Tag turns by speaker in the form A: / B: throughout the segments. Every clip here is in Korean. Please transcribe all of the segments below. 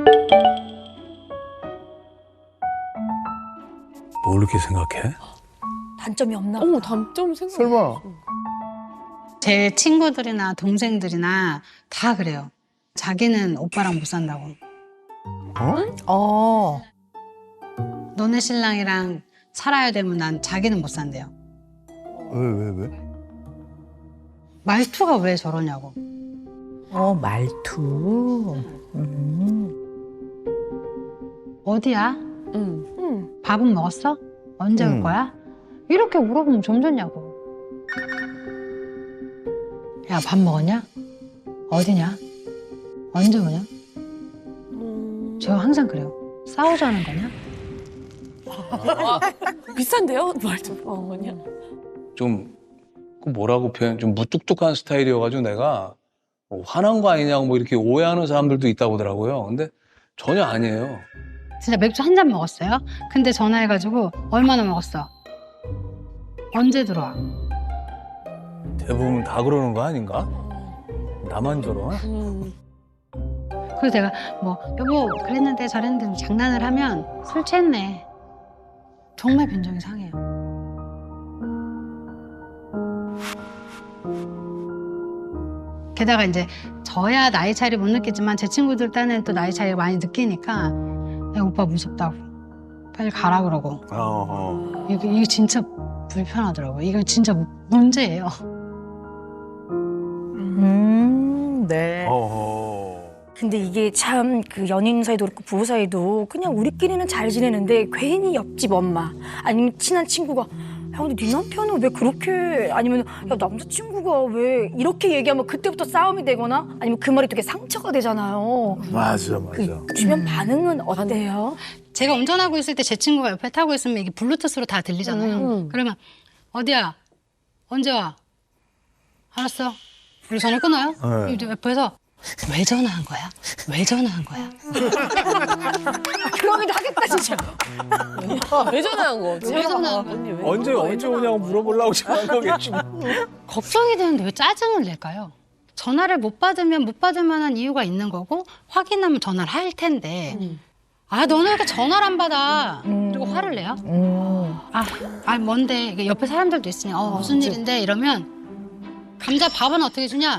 A: 뭘 이렇게 생각해?
B: 단점이 없나?
C: 어머, 단점 생각.
D: 설마.
E: 제 친구들이나 동생들이나 다 그래요. 자기는 오빠랑 못 산다고. 너네 신랑이랑 살아야 되면 난 자기는 못 산대요.
D: 왜?
E: 말투가 왜 저러냐고.
F: 말투.
E: 어디야?
C: 응.
E: 밥은 먹었어? 언제 올 거야? 이렇게 물어보면 좀 좋냐고. 야, 밥 먹었냐? 어디냐? 언제 오냐? 저 항상 그래요. 싸우자는 거냐?
C: 비싼데요? 말좀 뭐냐?
A: 좀, 그 뭐라고 표현, 좀 무뚝뚝한 스타일이어가지고 내가 뭐 화난 거 아니냐고 뭐 이렇게 오해하는 사람들도 있다고 하더라고요. 근데 전혀 아니에요.
E: 진짜 맥주 한 잔 먹었어요. 근데 전화해가지고 얼마나 먹었어? 언제 들어와?
A: 대부분 다 그러는 거 아닌가? 나만 저러?
E: 그래서 내가 뭐 여보 그랬는데 저랬는데 장난을 하면 술 취했네. 정말 빈정이 상해요. 게다가 이제 저야 나이 차이를 못 느끼지만 제 친구들 딴에는 또 나이 차이를 많이 느끼니까 야, 오빠 무섭다고 빨리 가라 그러고 이게 진짜 불편하더라고요. 이거 진짜 문제예요.
F: 네.
B: 근데 이게 참 그 연인 사이도 그렇고 부부 사이도 그냥 우리끼리는 잘 지내는데 괜히 옆집 엄마 아니면 친한 친구가 야 근데 네 남편은 왜 그렇게 아니면 야 남자친구가 왜 이렇게 얘기하면 그때부터 싸움이 되거나 아니면 그 말이 되게 상처가 되잖아요.
D: 맞아.
B: 그 주변 반응은 어때요?
E: 제가 운전하고 있을 때 제 친구가 옆에 타고 있으면 이게 블루투스로 다 들리잖아요. 그러면 어디야? 언제 와? 알았어. 우리 전화 끊어요?
D: 네.
E: 이제 옆에서 왜 전화한 거야? 왜 전화한 거야?
B: 그러기도 하겠다 진짜.
C: 왜 전화한 거?
E: 왜 전화한 거야?
A: 언제 오냐고 물어보려고 전화한 거겠지.
E: 걱정이 되는데 왜 짜증을 낼까요? 전화를 못 받으면 못 받을 만한 이유가 있는 거고 확인하면 전화를 할 텐데 아 너는 왜 이렇게 전화를 안 받아? 그리고 화를 내요? 뭔데? 이게 옆에 사람들도 있으니 무슨 일인데? 이러면 감자 밥은 어떻게 주냐?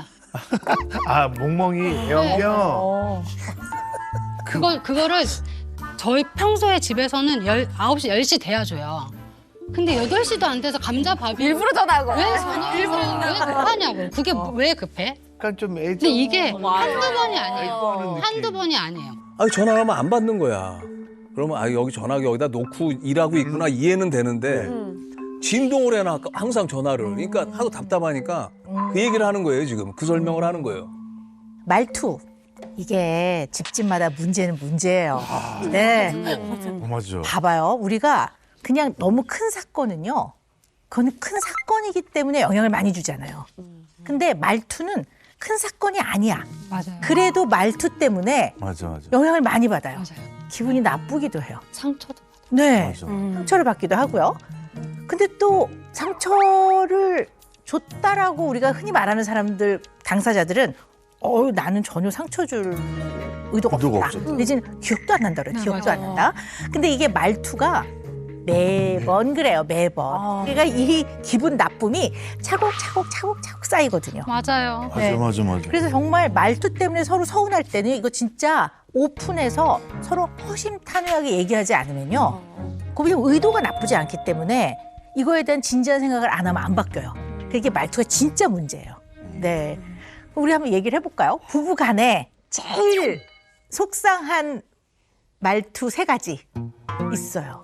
D: 멍멍이 애완견.
E: 그거를 저희 평소에 집에서는 9시, 10시 돼야 줘요. 근데 8시도 안 돼서 감자밥이
B: 일부러 전화한 거야.
E: 왜 급하냐고. 그게 왜 급해?
D: 약간 좀 애정.
E: 근데 이게 한두 번이 아니에요. 한두 번이 아니에요.
A: 아니, 전화하면 안 받는 거야. 그러면 여기 전화기 여기다 놓고 일하고 있구나 이해는 되는데 진동을 해놔 항상 전화를. 그러니까 하도 답답하니까 그 얘기를 하는 거예요 지금. 그 설명을 하는 거예요.
F: 말투. 이게 집집마다 문제는 문제예요. 네.
D: 맞아.
F: 봐봐요. 우리가 그냥 너무 큰 사건은요. 그건 큰 사건이기 때문에 영향을 많이 주잖아요. 근데 말투는 큰 사건이 아니야.
E: 맞아요.
F: 그래도 말투 때문에
D: 맞아.
F: 영향을 많이 받아요.
E: 맞아요.
F: 기분이 나쁘기도 해요.
E: 상처도
F: 네.
D: 맞아.
F: 상처를 받기도 하고요. 근데 또 상처를 줬다라고 우리가 흔히 말하는 사람들, 당사자들은 나는 전혀 상처 줄 의도가
D: 의도가
F: 없다.
D: 없었다.
F: 내지는 기억도 안 난다 그래.
E: 네,
F: 기억도
E: 맞아요.
F: 안 난다. 근데 이게 말투가 매번 그래요. 매번. 그러니까 이 기분 나쁨이 차곡차곡 쌓이거든요.
E: 맞아요.
F: 네.
D: 맞아.
F: 그래서 정말 말투 때문에 서로 서운할 때는 이거 진짜 오픈해서 서로 허심탄회하게 얘기하지 않으면요. 그냥 의도가 나쁘지 않기 때문에 이거에 대한 진지한 생각을 안 하면 안 바뀌어요. 그게 말투가 진짜 문제예요. 네. 우리 한번 얘기를 해볼까요? 부부 간에 제일 속상한 말투 3가지 있어요.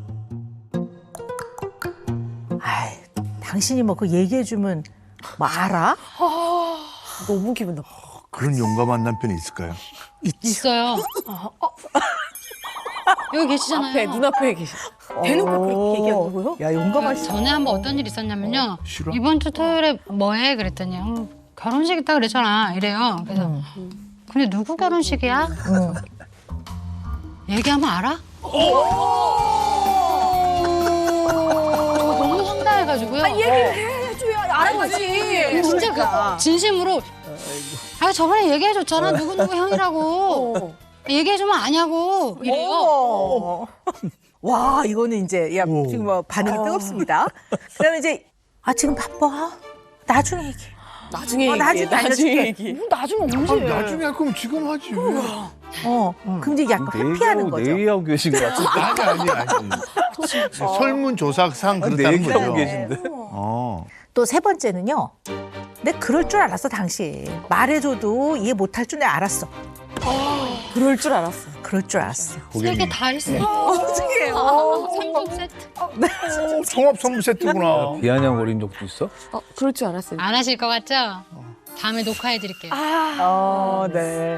F: 당신이 뭐 그거 얘기해주면 뭐 알아?
C: 너무 기분 나빠.
D: 그런 용감한 남편이 있을까요?
E: 있어요. 여기 계시잖아요.
C: 앞에, 눈앞에 계셔.
B: 대놓고 그렇게 얘기한다고요?
F: 야, 용감하시다.
E: 전에 한번 어떤 일이 있었냐면요.
D: 싫어?
E: 이번 주 토요일에 뭐해? 그랬더니 결혼식 있다 그랬잖아. 이래요. 그래서 근데 누구 결혼식이야? 얘기하면 알아? 너무 황당해가지고요.
B: 얘기를 해줘야 알아야지.
E: 진짜 진심으로 저번에 얘기해줬잖아. 누구누구 형이라고. 얘기해주면 아냐고 이래요.
F: 어머. 와, 이거는 이제, 야,
D: 오.
F: 지금 뭐 반응이 뜨겁습니다. 그다음에 이제, 지금 바빠. 나중에 얘기해.
C: 나중에
F: 나중에
C: 얘기해. 나중에
F: 알려줄게.
C: 얘기해.
B: 나중에 언제?
D: 나중에 할 거면 지금 하지.
F: 그럼 이제 약간 회피하는 거죠.
A: 내 얘기하고 계신 것 같은데.
D: 아니. 설문조사상
A: 내
D: 그렇다는
A: 얘기하고
D: 거죠.
A: 계신데.
F: 또 세 번째는요. 내가 그럴 줄 알았어, 당신. 말해줘도 이해 못할 줄 내가 알았어.
C: 그럴 줄 알았어.
F: 그럴 줄 알았어.
E: 세 개 다 있어.
F: 어떻게 해요?
E: 3종 세트.
D: 종합 선물 세트구나.
A: 비아냥거린 적도 있어?
C: 그럴 줄 알았어요.
E: 안 하실 것 같죠? 다음에 녹화해드릴게요.
F: 네.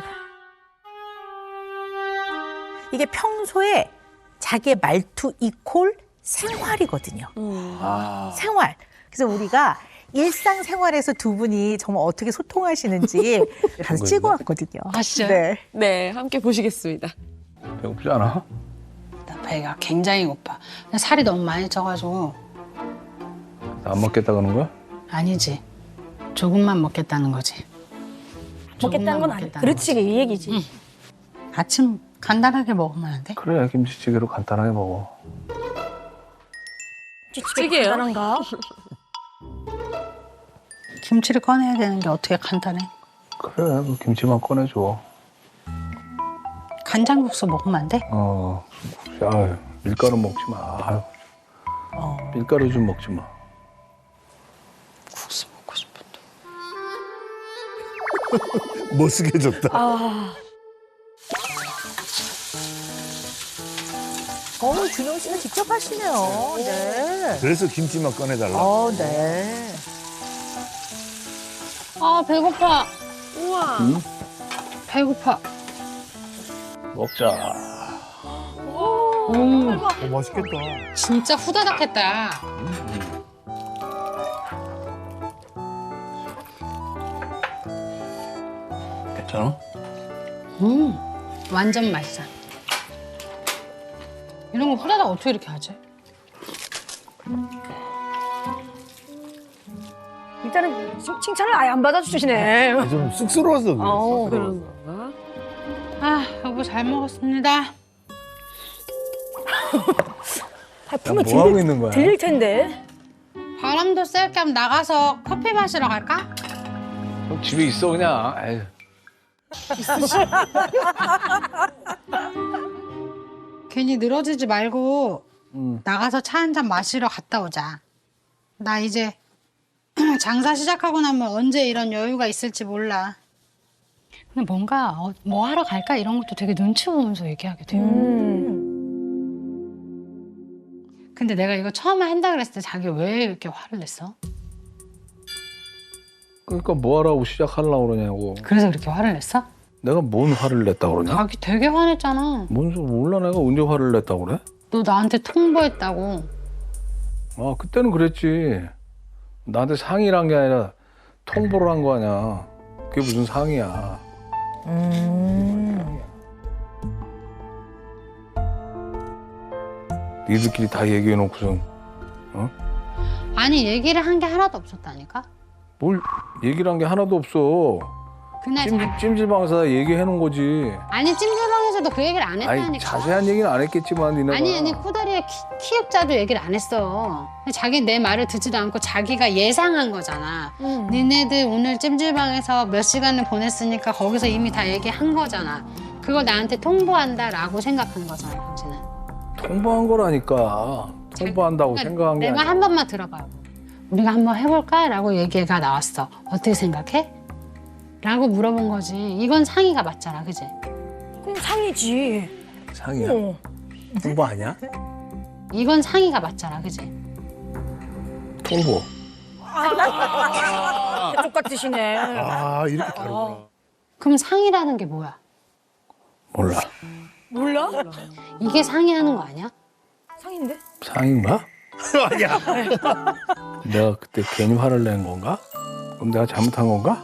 F: 이게 평소에 자기의 말투 이콜 생활이거든요. 생활. 그래서 우리가 일상생활에서 두 분이 정말 어떻게 소통하시는지 가서 찍어왔거든요.
E: 아시죠?
F: 네.
C: 네, 함께 보시겠습니다.
A: 배고프지 않아?
E: 나 배가 굉장히 고파. 살이 너무 많이 쪄가지고.
A: 안 먹겠다 그러는 거야?
E: 아니지. 조금만 먹겠다는 거지.
B: 먹겠다는 건 아니야. 그렇지, 이 얘기지.
E: 아침 간단하게 먹으면 안 돼?
A: 그래 김치찌개로 간단하게 먹어.
C: 찌개요?
B: 간단한가?
E: 김치를 꺼내야 되는 게 어떻게 간단해?
A: 그래 그 김치만 꺼내줘.
E: 간장국수 먹으면 안 돼?
A: 아유, 밀가루 먹지 마. 아유. 밀가루 좀 먹지 마.
E: 국수 먹고 싶은데.
D: 멋스게졌다.
F: 준영 씨가 직접 하시네요. 네.
D: 그래서 김치만 꺼내달라.
F: 네.
E: 아 배고파.
C: 우와.
E: 배고파.
A: 먹자.
D: 맛있겠다.
E: 진짜 후다닥했다.
A: 괜찮아?
E: 완전 맛있어. 이런 거 후다닥 어떻게 이렇게 하지?
B: 일단은 칭찬을 아예 안 받아주시네.
D: 좀 쑥스러워서 그래.
C: 그런 건가?
E: 아 여보 잘 먹었습니다.
B: 발품을
A: 뭐 하고 있는 거야?
B: 들릴 텐데.
E: 바람도 쐴 겸 나가서 커피 마시러 갈까?
A: 그럼 집에 있어 그냥. 에휴.
E: 괜히 늘어지지 말고 나가서 차 한 잔 마시러 갔다 오자. 나 이제 장사 시작하고 나면 언제 이런 여유가 있을지 몰라. 근데 뭔가 뭐 하러 갈까 이런 것도 되게 눈치 보면서 얘기하게 돼요. 근데 내가 이거 처음에 한다 그랬을 때 자기 왜 이렇게 화를 냈어?
A: 그러니까 뭐 하라고 시작하려고 그러냐고.
E: 그래서 그렇게 화를 냈어?
A: 내가 뭔 화를 냈다 그러냐?
E: 자기 되게 화냈잖아.
A: 뭔 소리 몰라 내가 언제 화를 냈다 그래?
E: 너 나한테 통보했다고.
A: 아 그때는 그랬지. 나한테 상의란 게 아니라 통보를 한 거 아니야. 그게 무슨 상의야. 니들끼리 다 얘기해놓고선
E: 아니 얘기를 한 게 하나도 없었다니까?
A: 뭘 얘기를 한 게 하나도 없어.
E: 그날
A: 찜질방에서 얘기해놓은 거지.
E: 아니 찜질방에서도 그 얘기를 안
A: 아니
E: 했다니까.
A: 자세한 얘기는 안 했겠지만 니네가.
E: 아니 코다리의 키읔자도 얘기를 안 했어. 자기 내 말을 듣지도 않고 자기가 예상한 거잖아. 니네들 오늘 찜질방에서 몇 시간을 보냈으니까 거기서 이미 다 얘기한 거잖아. 그걸 나한테 통보한다라고 생각한 거잖아, 당신은.
A: 통보한 거라니까. 통보한다고 생각한 게
E: 내 말
A: 아니야.
E: 한 번만 들어봐요. 우리가 한번 해볼까? 라고 얘기가 나왔어. 어떻게 생각해? 라고 물어본 거지. 이건 상의가 맞잖아, 그지?
B: 그럼 상이지.
A: 상의야. 통보 아니야?
E: 이건 상의가 맞잖아, 그지?
A: 통보.
B: 대쪽 같으시네.
D: 아, 이렇게 다르구나.
E: 그럼 상의라는 게 뭐야?
A: 몰라.
B: 몰라?
E: 이게 상의하는 거 아니야?
B: 상인데?
A: 상인가?
D: 아니야.
A: 내가 그때 괜히 화를 낸 건가? 그럼 내가 잘못한 건가?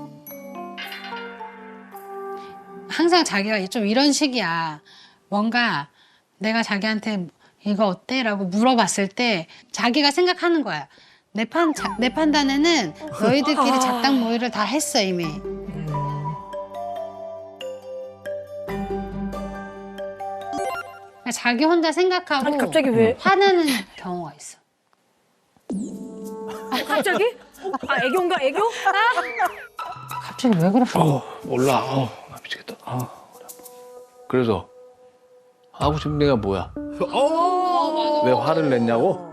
E: 항상 자기가 좀 이런 식이야. 뭔가 내가 자기한테 이거 어때? 라고 물어봤을 때 자기가 생각하는 거야. 내 판단에는 너희들끼리 작당 모의를 다 했어, 이미. 그냥 자기 혼자 생각하고
B: 아니 갑자기 왜?
E: 화내는 경우가 있어.
B: 갑자기? 아 애교인가 애교?
E: 갑자기 왜 그래?
A: 몰라. 나 미치겠다. 그래서 하고 싶은 얘기가 뭐야? 왜 화를 냈냐고?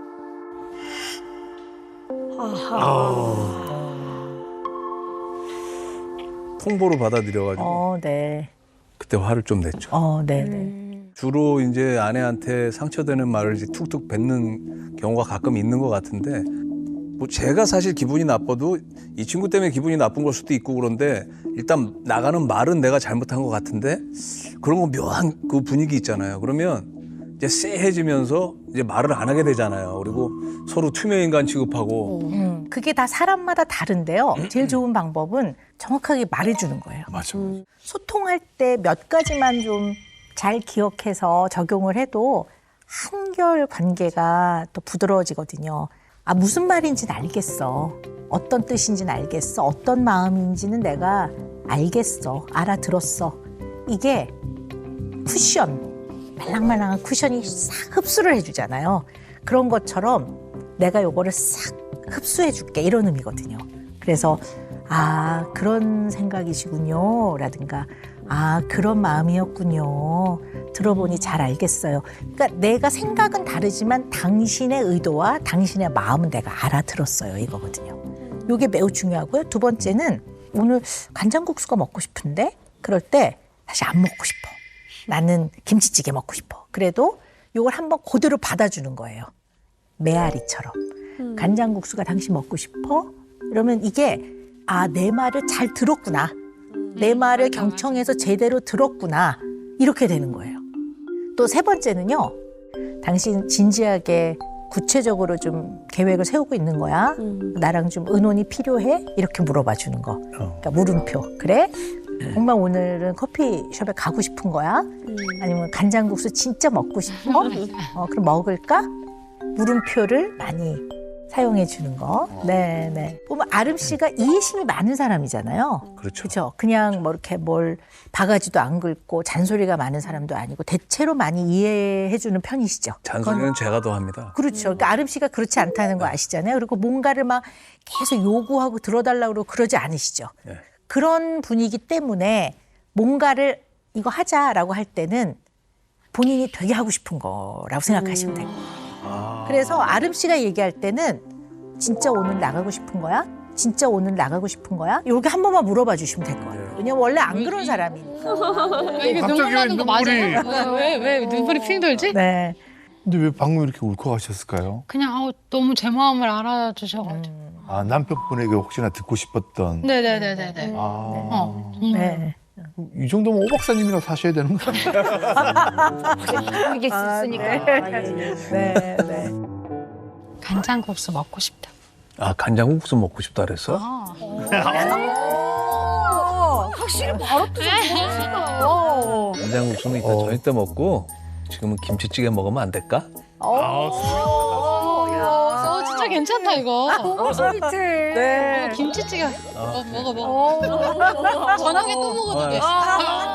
A: 통보로 받아들여가지고
F: 네.
A: 그때 화를 좀 냈죠.
F: 네네.
A: 주로 이제 아내한테 상처되는 말을 이제 툭툭 뱉는 경우가 가끔 있는 것 같은데 뭐 제가 사실 기분이 나빠도 이 친구 때문에 기분이 나쁜 걸 수도 있고 그런데 일단 나가는 말은 내가 잘못한 것 같은데 그런 거 묘한 그 분위기 있잖아요. 그러면 이제 쎄해지면서 이제 말을 안 하게 되잖아요. 그리고 서로 투명인간 취급하고
F: 그게 다 사람마다 다른데요. 제일 좋은 방법은 정확하게 말해주는 거예요.
D: 맞아.
F: 소통할 때 몇 가지만 좀 잘 기억해서 적용을 해도 한결 관계가 또 부드러워지거든요. 아, 무슨 말인지는 알겠어. 어떤 뜻인지는 알겠어. 어떤 마음인지는 내가 알겠어. 알아들었어. 이게 쿠션, 말랑말랑한 쿠션이 싹 흡수를 해주잖아요. 그런 것처럼 내가 요거를 싹 흡수해줄게 이런 의미거든요. 그래서 아, 그런 생각이시군요. 라든가 아, 그런 마음이었군요. 들어보니 잘 알겠어요. 그러니까 내가 생각은 다르지만 당신의 의도와 당신의 마음은 내가 알아들었어요. 이거거든요. 이게 매우 중요하고요. 두 번째는 오늘 간장국수가 먹고 싶은데 그럴 때 사실 안 먹고 싶어. 나는 김치찌개 먹고 싶어. 그래도 이걸 한번 그대로 받아주는 거예요. 메아리처럼. 간장국수가 당신 먹고 싶어? 이러면 이게 아, 내 말을 잘 들었구나. 내 말을 경청해서 제대로 들었구나. 이렇게 되는 거예요. 또 세 번째는요. 당신 진지하게 구체적으로 좀 계획을 세우고 있는 거야? 나랑 좀 의논이 필요해? 이렇게 물어봐 주는 거. 그러니까 물음표. 그래? 정말 오늘은 커피숍에 가고 싶은 거야? 아니면 간장국수 진짜 먹고 싶어? 그럼 먹을까? 물음표를 많이 사용해 주는 거. 네. 보면 아름 씨가 이해심이 많은 사람이잖아요.
A: 그렇죠.
F: 그렇죠. 그냥 뭐 이렇게 뭘 바가지도 안 긁고 잔소리가 많은 사람도 아니고 대체로 많이 이해해 주는 편이시죠.
A: 잔소리는 제가 더 합니다.
F: 그렇죠. 그러니까 아름 씨가 그렇지 않다는 거 아시잖아요. 그리고 뭔가를 막 계속 요구하고 들어달라고 그러고 그러지 않으시죠.
A: 네.
F: 그런 분위기 때문에 뭔가를 이거 하자라고 할 때는 본인이 되게 하고 싶은 거라고 생각하시면 돼요. 그래서 아름 씨가 얘기할 때는 진짜 오늘 나가고 싶은 거야? 진짜 오늘 나가고 싶은 거야? 이렇게 한 번만 물어봐 주시면 될 것 같아요. 왜냐면 원래 안 그런 사람이니까.
E: 이게
D: 갑자기
E: 눈물 나는 거
D: 눈물이.
E: 맞아요? 왜 눈물이 핑 돌지?
F: 네.
D: 근데 왜 방금 이렇게 울컥하셨을까요?
E: 그냥 너무 제 마음을 알아주셔가지고.
D: 아, 남편분에게 혹시나 듣고 싶었던.
E: 네네네네네.
D: 아.
F: 네.
D: 이 정도면 오 박사님이랑 사셔야 되는 거 아니에요?
B: 이게 있으니까.
F: 네.
E: 간장국수 먹고 싶다.
A: 아, 간장국수 먹고 싶다 그랬어?
B: 확실히 바로 뜨셨어.
A: 간장국수는 이따 저녁 때 먹고 지금은 김치찌개 먹으면 안 될까?
E: 진짜 괜찮다 이거.
B: 너무 소리틀.
F: 네.
E: 김치찌개 먹어. 저녁에 또 먹어도 돼.